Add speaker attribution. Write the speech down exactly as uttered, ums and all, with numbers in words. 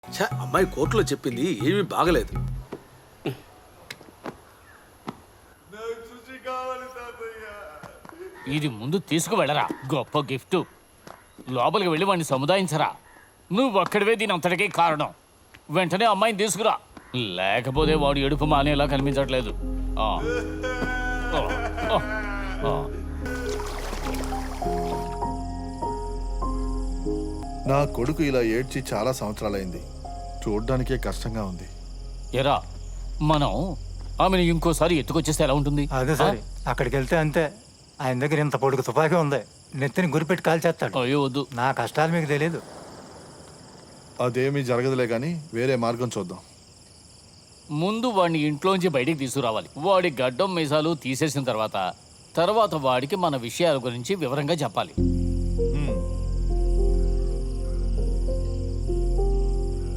Speaker 1: ఛ, అమ్మాయి కోర్టులో చెప్పింది ఏమీ బాగలేదు.
Speaker 2: ఇది ముందు తీసుకువెళ్ళరా, గొప్ప గిఫ్ట్. లోపలికి వెళ్ళి వాడిని సముదాయించరా. నువ్వు ఒక్కడివే దీని అంతటికీ కారణం. వెంటనే అమ్మాయిని తీసుకురా, లేకపోతే వాడు ఎడుపు మానేలా కనిపించట్లేదు. ఆ. ఆ. ఆ. ఆ.
Speaker 3: నా కొడుకు ఇలా ఏడ్చి చాలా సంవత్సరాలైంది. చూడ్డానికే కష్టంగా ఉంది.
Speaker 2: ఎరా, మనం ఆమెను ఇంకోసారి ఎత్తుకొచ్చేస్తే ఎలా ఉంటుంది?
Speaker 4: అదే సరే, అక్కడికి వెళ్తే అంతే. ఆయన దగ్గర ఇంత పొడుగు తుపాకీ ఉంది, నెత్తిని గురిపెట్టి కాల్చేస్తాడు.
Speaker 2: అయ్యో వద్దు.
Speaker 4: నా కష్టాలు మీకు తెలియదు.
Speaker 3: అదేమీ జరగదులే కానీ వేరే మార్గం చూద్దాం.
Speaker 2: ముందు వాడిని ఇంట్లోంచి బయటికి తీసుకురావాలి. వాడి గడ్డం మీసాలు తీసేసిన తర్వాత తర్వాత వాడికి మన విషయాల గురించి వివరంగా చెప్పాలి.